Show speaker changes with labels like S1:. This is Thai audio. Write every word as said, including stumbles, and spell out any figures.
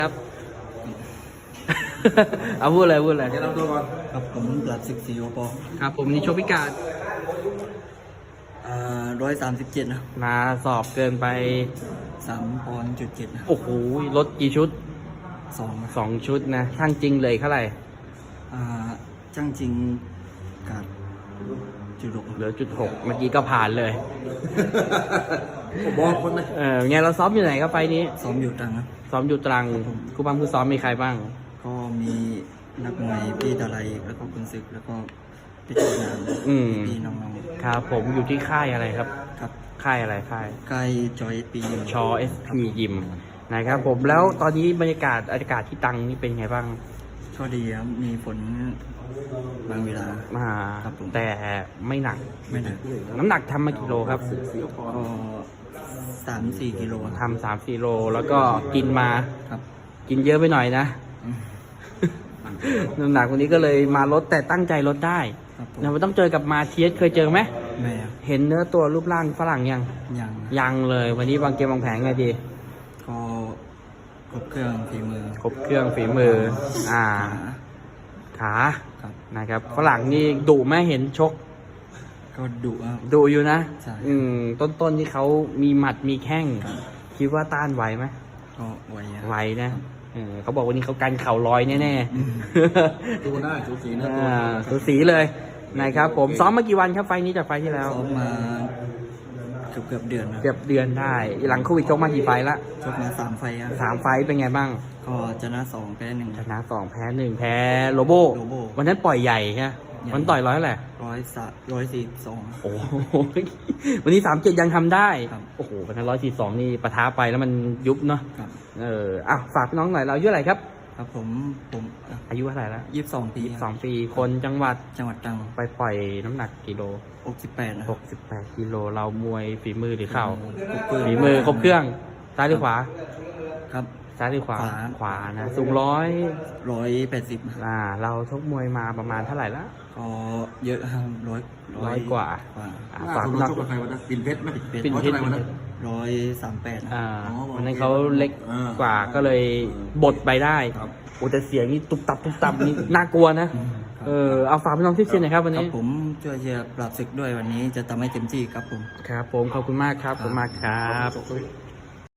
S1: ครับ เอาพูดเลยพูดเลย
S2: แนะนำตัวก่อน
S3: ครับผมปลัดสิบสี่โอปอ
S1: ครับผมนี่โชคพิการ
S3: อ่าร้อยสามสิบเจ็ดนะ
S1: มาสอบเกินไป
S3: สามปอนด์จุดเจ็ดนะ
S1: โอ้โหลดกี่ชุด
S3: สองนะ
S1: สองชุดนะช่างจริงเลยเท่าไหร่
S3: อ่าจ้างจริงกาดจุดหก
S1: เหลือจุดหกเมื่อกี้ก็ผ่านเลย
S2: ผมบอกคนไหม
S1: เออไงเราซ้อมอยู่ไหนครับไฟล์นี้
S3: ซ้อมอยู่ตรังนะ
S1: ซ้อมอยู่ตรังครูบังผู้ซ้อมมีใครบ้าง
S3: ก็มีนักมวยพี่ตะไลแล้วก็คุณศึกแล้วก็พี่โจนาน
S1: อืม
S3: พี่น้อง
S1: ครับผมอยู่ที่ค่ายอะไรครับ
S3: ๆครับ
S1: ค่ายอะไรค่าย
S3: ใกล้จอยปี
S1: ชอเอสพียิมนะครับผมแล้วตอนนี้บรรยากาศอากาศที่ตรังนี่เป็นไงบ้าง
S3: ก็ดีครับมีฝนบางเวลา
S1: มา
S3: ครับผม
S1: แต่ไม่หนัก
S3: ไม่หนัก
S1: น้ำหนักทำมากี่โลครับ
S3: ก็สามสี่กิโล
S1: ทำสามสี่โลแล้วก็กินมา
S3: ครับ
S1: กินเยอะไปหน่อยนะ
S3: อืม
S1: น้ำหนักวันนี้ก็เลยมาลดแต่ตั้งใจลดได้
S3: ครับผม
S1: นะมันต้องเจอกับมาเทียสเคยเจอไหม
S3: แม่ครับ
S1: เห็นเนื้อตัวรูปร่างฝรั่งยัง
S3: ยังนะ
S1: ยังเลยวันนี้วางเกมวางแผนไงดี
S3: ก็ครบเครื่องฝีมือ
S1: ครบเครื่องฝีมือ อ่า
S3: ขา
S1: ขา
S3: ครับ
S1: นะครับฝรั่งนี่ดุไหมเห็นชก
S3: ก็ดุครับ
S1: ดุอยู่นะ
S3: ใช่
S1: อืมต้นๆที่เขามีหมัดมีแข้งคิดว่าต้านไหวไหม
S3: ก็ไหวอะ
S1: ไหวนะเออเขาบอกวันนี้เขากันเข่าลอยแน่
S3: อืม
S2: ดูหน้าสูสี
S1: ๆ
S2: นะ
S1: อ่าสูสีเลยนะครับผมซ้อมมากี่วันครับไฟล์นี้จากไฟล์ที่แล้ว
S3: ซ้อมมาเกือบเกือบเดือนนะ
S1: เกือบเดือนได้ หลังโควิดชกมากี่ไฟล์ละ
S3: ชกมาสามไฟครับ
S1: สามไฟล์เป็นไงบ้าง
S3: ก็ชนะสองแพ้หนึ่ง
S1: ชนะสองแพ้หนึ่งแพ้โลโบ
S3: โลโบ
S1: วันนั้นปล่อยใหญ่ใช่ไหม
S3: ใหญ่
S1: วันต่อยร้อยแหละ
S3: ร้อยสะร้อยสี่สอง
S1: โอ้โหวันนี้สามเจ็ดยังทำได้
S3: ครับ
S1: โอ้โหวันนั้นร้อยสี่สองนี่ปะท้าไปแล้วมันยุบเนาะ
S3: ครับ
S1: เอออ่ะฝากพี่น้องหน่อยเราอายุเท่าไหร่ครับ
S3: ครับผมผม
S1: อายุเท่าไหร่แล้ว
S3: ยี่สิบสองปี
S1: สองปีคนจังหวัด
S3: จังหวัดตรัง
S1: ไปปล่อยน้ำหนักกิโล
S3: หกสิบแปดนะ
S1: หกสิบแปดกิโลเรามวยฝีมือหรือเข่า
S3: ครบเครื่อง
S1: ฝีมือครบเครื่องซ้ายหรือขวา
S3: ครับ
S1: ซ้ายหรือขวา
S3: ขวา
S1: ขวานะสูงร้อย
S3: ร้อยแปดสิบ
S1: อ่าเราชกมวยมาประมาณเท่าไหร่ละ
S3: ก็เยอะครับร้อย
S1: ร้อยกว่า
S3: กว่า
S1: อ่า
S2: หน้า
S1: ฝาก
S2: คน
S1: พี่
S2: นู้
S1: น้อง
S2: นชกกับใครวะนะปิ่นเพชรไหม
S1: ปิ่นเพชร
S2: ร้อยเท่าไหวันนั้น
S3: ร้อยสามแปดนะ
S1: อ่า
S2: อ๋อ
S1: วันนั้นเขาเล็ก
S2: อ่าก
S1: ว่าก็เลยบดไปได้
S2: ครับ
S1: โอ้แต่เสียงนี่ตุบตับตุบตับนี่น่ากลัวนะ เออเอาฝากพี่น้องที่เชียร์หน่อยครับวัน
S3: ครั
S1: นี้
S3: บผมช่วยเชียร์ปราบศึกด้วยวันนี้จะทำให้เต็มที่ครับผม
S1: ครับผมขอบคุณมากครับขอบคุณมากครับ
S2: จบเลย